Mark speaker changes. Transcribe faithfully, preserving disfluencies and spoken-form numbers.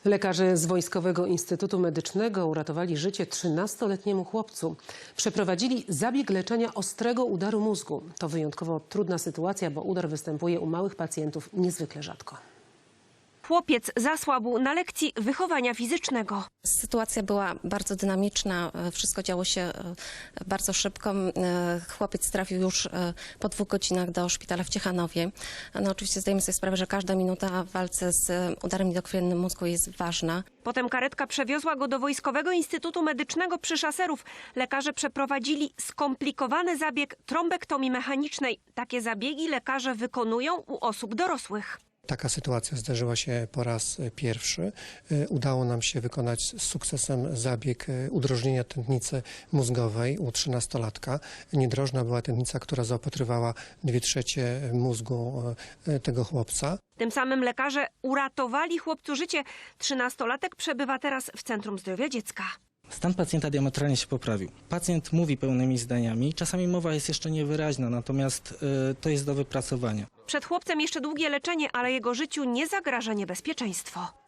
Speaker 1: Lekarze z Wojskowego Instytutu Medycznego uratowali życie trzynastoletniemu chłopcu. Przeprowadzili zabieg leczenia ostrego udaru mózgu. To wyjątkowo trudna sytuacja, bo udar występuje u małych pacjentów niezwykle rzadko.
Speaker 2: Chłopiec zasłabł na lekcji wychowania fizycznego.
Speaker 3: Sytuacja była bardzo dynamiczna, wszystko działo się bardzo szybko. Chłopiec trafił już po dwóch godzinach do szpitala w Ciechanowie. No, oczywiście zdajemy sobie sprawę, że każda minuta w walce z udarem niedokrwiennym mózgu jest ważna.
Speaker 2: Potem karetka przewiozła go do Wojskowego Instytutu Medycznego przy Szaserów. Lekarze przeprowadzili skomplikowany zabieg trombektomii mechanicznej. Takie zabiegi lekarze wykonują u osób dorosłych.
Speaker 4: Taka sytuacja zdarzyła się po raz pierwszy. Udało nam się wykonać z sukcesem zabieg udrożnienia tętnicy mózgowej u trzynastolatka. Niedrożna była tętnica, która zaopatrywała dwie trzecie mózgu tego chłopca.
Speaker 2: Tym samym lekarze uratowali chłopcu życie. Trzynastolatek przebywa teraz w Centrum Zdrowia Dziecka.
Speaker 5: Stan pacjenta diametralnie się poprawił. Pacjent mówi pełnymi zdaniami, czasami mowa jest jeszcze niewyraźna, natomiast y, to jest do wypracowania.
Speaker 2: Przed chłopcem jeszcze długie leczenie, ale jego życiu nie zagraża niebezpieczeństwo.